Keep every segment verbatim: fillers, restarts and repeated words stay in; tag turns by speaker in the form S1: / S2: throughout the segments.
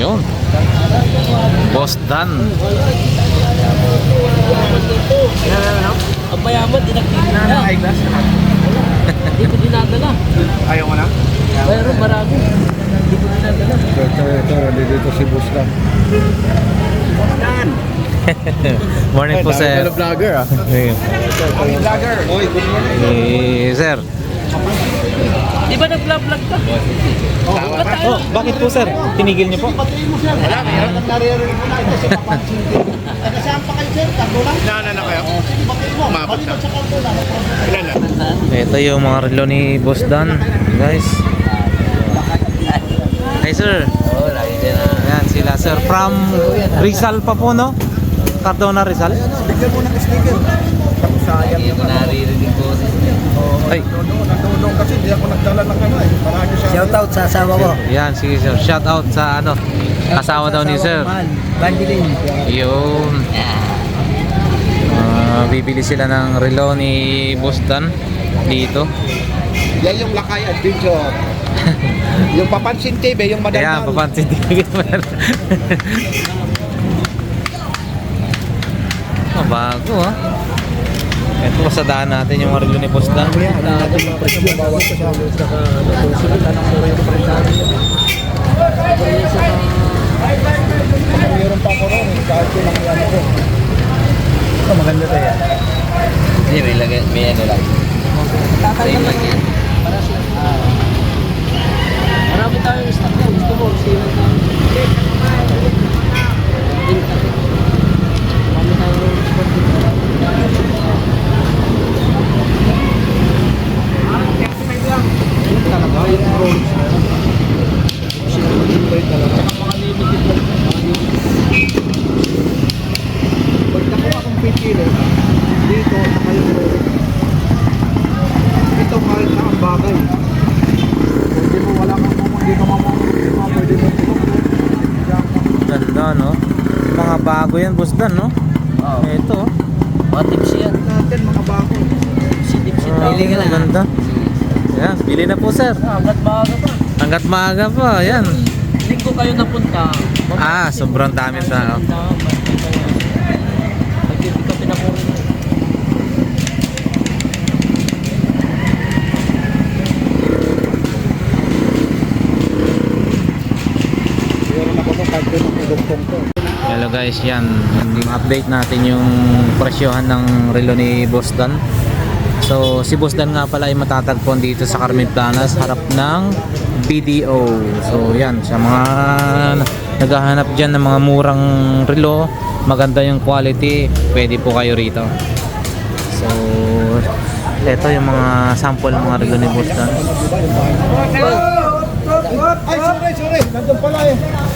S1: Yun. Boss Dan.
S2: Ang mayaman, dinagpili na. Hindi ko dinadala.
S3: Ayaw mo na?
S2: Mayroon marami. Hindi ko dinadala.
S3: Ito, ito, ito. Dito si Boss Dan.
S1: Morning po, sir.
S3: Ito vlogger ah.
S1: Ayun.
S3: Vlogger. Oy, good morning.
S1: Eh, sir.
S2: Di ba nag-vlog ka?
S3: Tama ka.
S1: Oh, bakit po, sir? Tinigil niyo po?
S3: Wala, meron. Naririnig ko na ito si Papansin. Nagkasama pa kayo, sir? Tatlo lang? Ilan na kayo? Umapat na. Ilan na?
S1: Ito yung mga relo ni Boss Dan, guys. Hi, sir.
S2: Oo, lagi din na.
S1: Ayan, sila, sir. From Rizal pa po, no? Cardona, Rizal.
S3: Bigyan mo ng sticker. Tapos sayang
S2: Hindi ko naririnig ko.
S1: Ay.
S3: Nandunong kasi di ako nagdala ng ano eh. Marami sa...
S2: Shoutout sa asawa ko.
S1: Yan, sige, sir. Shout out sa, ano, asawa daw ni sir.
S2: Bandilin.
S1: Yun. Ah, bibili sila ng relo ni Boss Dan dito.
S3: Yan yung Lakay Adventure. Yung Papansin T V, yung madaldal.
S1: Ayan, papansin din. Oh, bago ah. Ito, pasadaan natin yung relo ni Boss Dan.
S3: Natin yung presyo mo bawat sa amin. Saka susunod na ng mura yung presyo natin. Mayroon pa ako ron. Kahit yun ang yan ko. Ito maganda tayo yan.
S2: Hindi, may lagay, may ano lang. Same lang yan. Marami tayong stock yan. Gusto mo, sino tayo? Marami tayong stock dito.
S3: Talaga, yung Rolex na yan. Mga limited lang. Pag nakuha akong pipili, dito, saka yung Rolex. Ito kahit na ang bagay. Hindi mo wala kang mga, hindi ka mamamang, pwede mo ito.
S1: Ganda, no? Mga bago yan, Boss Dan, no?
S2: Oo.
S1: Ito, oh.
S2: Mga tips yan.
S3: Natin mga bago.
S2: Si tips yan.
S1: Ah,
S2: Pili ka na.
S1: ganda. Yan, bili na po, sir.
S2: Hanggat maaga pa.
S1: Hanggat maaga pa, yan.
S2: Linggo kayo napunta.
S1: Ah, sobrang dami sa...
S2: Magpipick up na po rin.
S3: Meron ako ng kahit yun ang dugtong ko.
S1: Hello guys, yan. Update natin yung presyohan ng relo ni Boss Dan. So, si Boss Dan nga pala ay matatagpuan dito sa Carmen Planas, harap ng B D O. So, yan. Sa mga naghahanap dyan ng mga murang relo, maganda yung quality, pwede po kayo rito. So, ito yung mga sample ng mga relo ni Boss Dan.
S3: Ay, sorry, sorry. Nandun pala eh.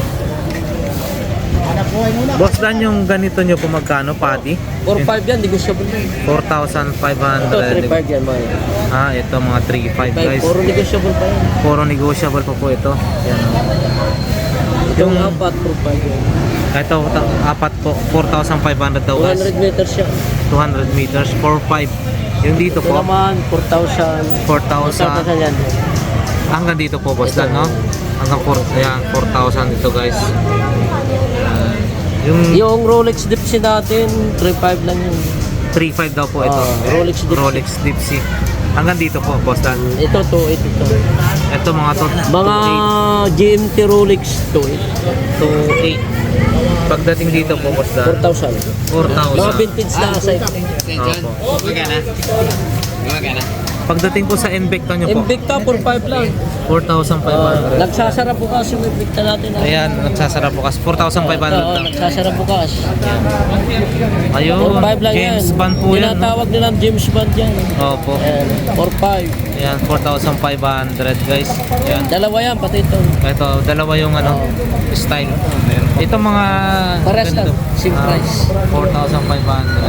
S3: Anak buhay muna.
S1: Boss Dan, yung ganito nyo po magkano, pati?
S2: four five yan, negotiable na.
S1: four thousand five
S2: Ito,
S1: hundred.
S2: three five yan mga yan.
S1: Ah, ito mga three five guys.
S2: Puro negotiable pa yan.
S1: Puro negotiable pa po ito. Yan o.
S2: Yung
S1: Yung
S2: apat, four five yan.
S1: ito, ta- apat po, four thousand five hundred daw
S2: two
S1: guys.
S2: hundred meters siya.
S1: two hundred meters, four five. Yung dito
S2: Ito
S1: po,
S2: naman, four thousand.
S1: four
S2: four thousand
S1: thousand.
S2: yan.
S1: Hanggang dito po, boss Dan, no? Hanggang four, ayan, four thousand dito guys. Ayan. Yung
S2: Yung Rolex Dipsy natin, three five lang yun.
S1: three five daw po ito.
S2: Ah, Rolex Dipsy.
S1: Rolex Dipsy. Hanggang dito po, boss Dan.
S2: Ito, two eight ito.
S1: Ito mga to,
S2: Mga G M T Rolex, two eight.
S1: two eight. Pagdating dito po, boss
S2: four
S1: Dan,
S2: thousand.
S1: four
S2: Mga
S1: thousand.
S2: vintage na sa ito.
S1: Opo. Pagdating po sa Invicta nyo po,
S2: Invicta, four five lang.
S1: four thousand five
S2: Uh,
S1: hundred.
S2: nagsasara bukas yung Invicta natin. ah.
S1: Ayan, nagsasara bukas. four thousand five hundred
S2: Oo,
S1: lang.
S2: nagsasara bukas.
S1: Ayun,
S2: four five lang yan.
S1: James Bond po yan. no?
S2: Tinatawag nilang James Bond yan.
S1: Opo.
S2: Ayan, four five.
S1: Ayan, four thousand five hundred guys. Ayan.
S2: Dalawa yan, pati ito.
S1: Ito, dalawa yung ano, style. Ito mga...
S2: Pares lang,
S1: ganito.
S2: same
S1: Ah,
S2: price.
S1: four thousand five hundred.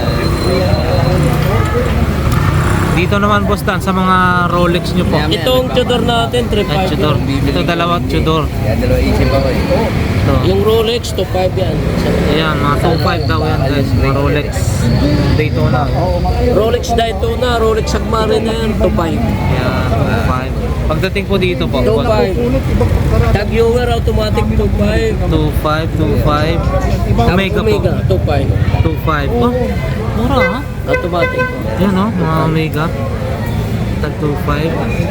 S1: Dito naman, boss Dan, sa mga Rolex nyo po.
S2: Itong Tudor natin, three
S1: Ay,
S2: five.
S1: Tudor. Ito dalawa, Tudor.
S2: Yan, dalawa isip ako eh.
S1: Ito.
S2: Yung Rolex, two five yan.
S1: Ayan, mga two five daw yan guys. Mga Rolex Daytona.
S2: Rolex Daytona, Rolex Submariner, two five.
S1: Ayan, two five. Pagdating po dito po,
S2: two five. Tag viewer automatic two five.
S1: two five, two five. Omega po.
S2: Omega two five.
S1: two five. Oh, mura ha?
S2: Automatic.
S1: Yan oh, mga Omega. Tag two five.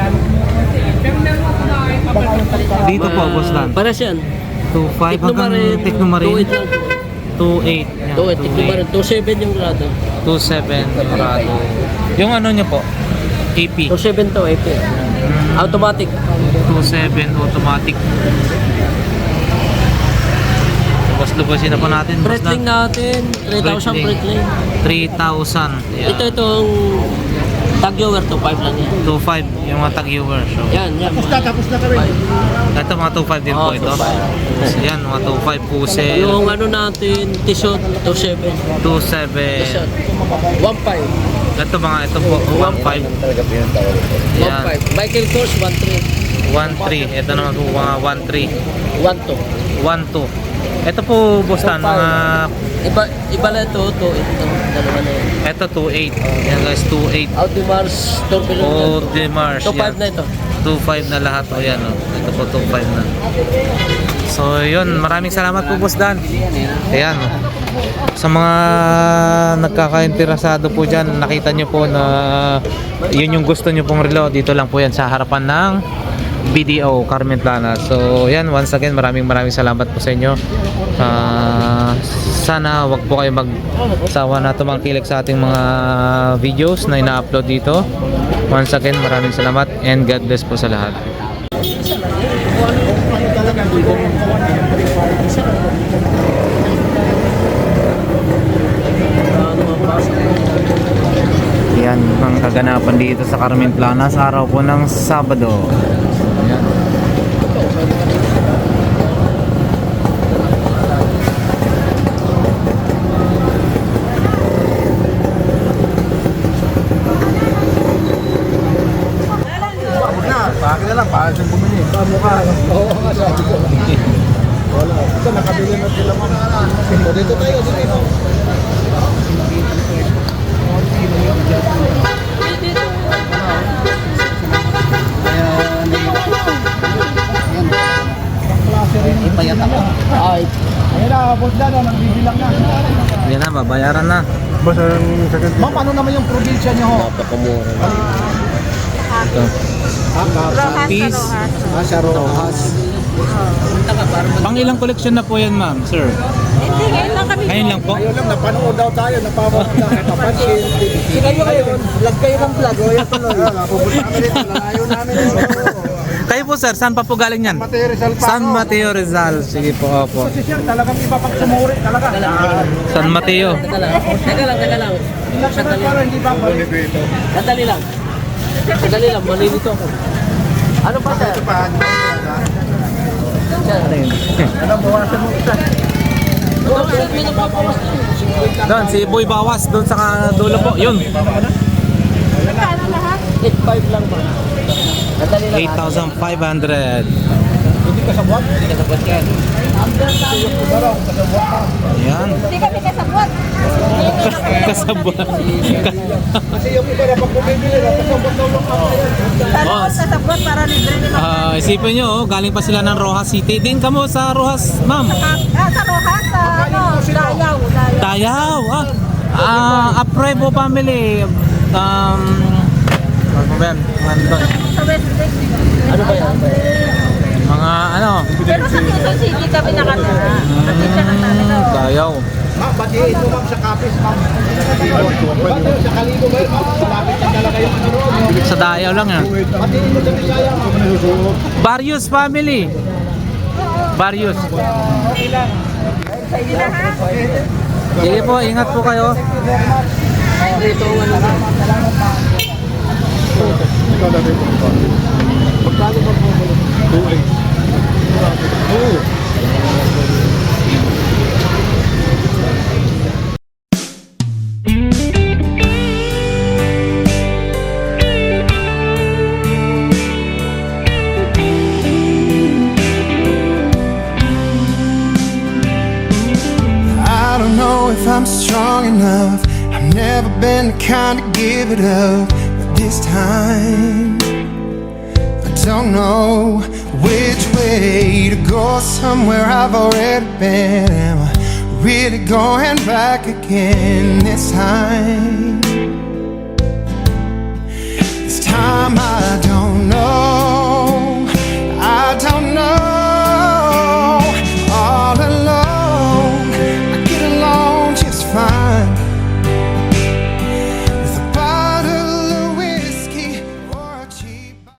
S1: Dito po, boss Dan.
S2: Para siyan.
S1: two five hanggang Technomarine. two eight. Yan,
S2: two eight. Technomarine. two seven yung grado.
S1: two seven yung rado. Yung ano nyo po? A P.
S2: two seven to A P. Automatic.
S1: two seven automatic. Lubos-lubosin na po natin. boss
S2: Breitling
S1: Dan.
S2: natin. three thousand
S1: Breitling.
S2: Breitling.
S1: three thousand. Yan.
S2: Ito itong tag viewer two five lang yan.
S1: two five yung mga tag-viewer. So,
S2: Yan, yan.
S3: Tapos na, tapos na kami.
S1: ito mga two five din po
S2: Oh,
S1: ito.
S2: two five.
S1: So, yan, mga two five Pusel.
S2: Yung ano natin, Tissot two seven.
S1: two seven.
S2: Tissot. one five.
S1: Ito mga ito po, one five.
S2: one
S1: Yan,
S2: five. Michael Kors one three.
S1: one three. Ito naman po mga one three.
S2: one two.
S1: one two. Ito po, boss Dan, mga
S2: Iba, iba na ito, two eight ito. Dalawa na yan.
S1: ito two eight. Yan guys, two eight.
S2: Audemars Tourbillon.
S1: Oh, Demars.
S2: two five na ito.
S1: two five na lahat. O yan, oh. Ito po two five na. So, yun. Maraming salamat po, boss Dan. Ayan. oh. Sa mga nagkakainterasado po dyan, nakita nyo po na yun yung gusto nyo pong relo. Dito lang po yan sa harapan ng B D O Carmen Plana. So yan, once again maraming maraming salamat po sa inyo. Uh, sana wag po kayo magsawa na tumangkilik sa ating mga videos na ina-upload dito. Once again maraming salamat and God bless po sa lahat. Yan ang kaganapan dito sa Carmen Plana sa araw po ng Sabado. Ayan.
S3: Bakit na lang, bakit siyang bumili? Tama ka. Oo nga, sabi ko. Wala. Ito, nakabili na sila mga. O, dito tayo, dito.
S1: Ipayat ako.
S2: Ay,
S3: Ayun na, boss na, nagbibilang na.
S1: Yan na, babayaran na.
S3: Boss, ang second. Ma'am, ano naman yung probinsya niyo ho?
S2: napakamura.
S1: Ito.
S4: Rojas
S1: Peace.
S4: sa Rojas.
S3: Ah, sa Rojas.
S1: Pang ilang collection na po yan, ma'am, sir?
S4: Hindi, ngayon lang kami.
S1: Ngayon lang po.
S3: Ayun lang, napanood daw tayo, napanood na, napansin. Kayo kayo, vlog kayo ng vlog, o yan tuloy. Napupunta kami dito, nalayo namin.
S1: Kayo po, sir, saan pa po galing yan?
S3: Mateo Rizal pa.
S1: San Mateo Rizal. Sige po, opo.
S3: Si Sir, talagang iba pag sumuri, talaga.
S1: San Mateo.
S2: Teka lang, teka lang, teka lang.
S3: National para hindi ba balik ito?
S2: Sandali lang. Sandali lang, malilito ako. Ano pa sir?
S3: Ito pa,
S2: Sir,
S3: ano bawasan mo isa?
S2: oh, sir, may napapawas na yun.
S1: Doon, si Boy Bawas, doon sa dulo po. Yun.
S4: Magkano lahat?
S2: eight five lang ba? Sandali lang.
S1: eight thousand five hundred.
S3: Hindi ka sa buwan?
S2: Hindi ka sabot yan.
S1: Ayan.
S4: Hindi kami kasabot.
S1: Kasabot.
S3: Kasi yung iba na pag bumibili na, kasabot daw lang ako yan.
S4: Sana
S1: Boss.
S4: ako kasabot para libre nila.
S1: Ah, isipin nyo, oh, galing pa sila ng Rojas City. Din ka mo sa Rojas, ma'am.
S4: Ah, sa Rojas, sa ano, Dayaw. Dayaw.
S1: Tayaw. Ah, ah Aprevo family. Um, ano ba yan? Ano ba?
S4: Sa West Lake.
S2: Ano ba yan?
S1: Mga ano?
S4: Pero sa Quezon City kami nakatira. Sa Quezon ang namin.
S1: Hmm, Tayaw.
S3: Ma'am, batiin mo ma'am sa kapis, ma'am. Ba't yun, sa Kalibo ba yun, ma'am? Malapit na talaga yung ano roon.
S1: Sa Tayaw lang yan.
S3: Batiin mo sa Bisaya, ma'am.
S1: Barrios family. Barrios.
S4: Sige na ha.
S1: Sige po, ingat po kayo.
S2: Ito ang ano.
S3: Ikaw na rin po. Magkano ba po? two eight. two.
S5: I don't know if I'm strong enough. I've never been the kind to give it up, but this time I don't know which way to go. Somewhere I've already been. Am I really going back again this time?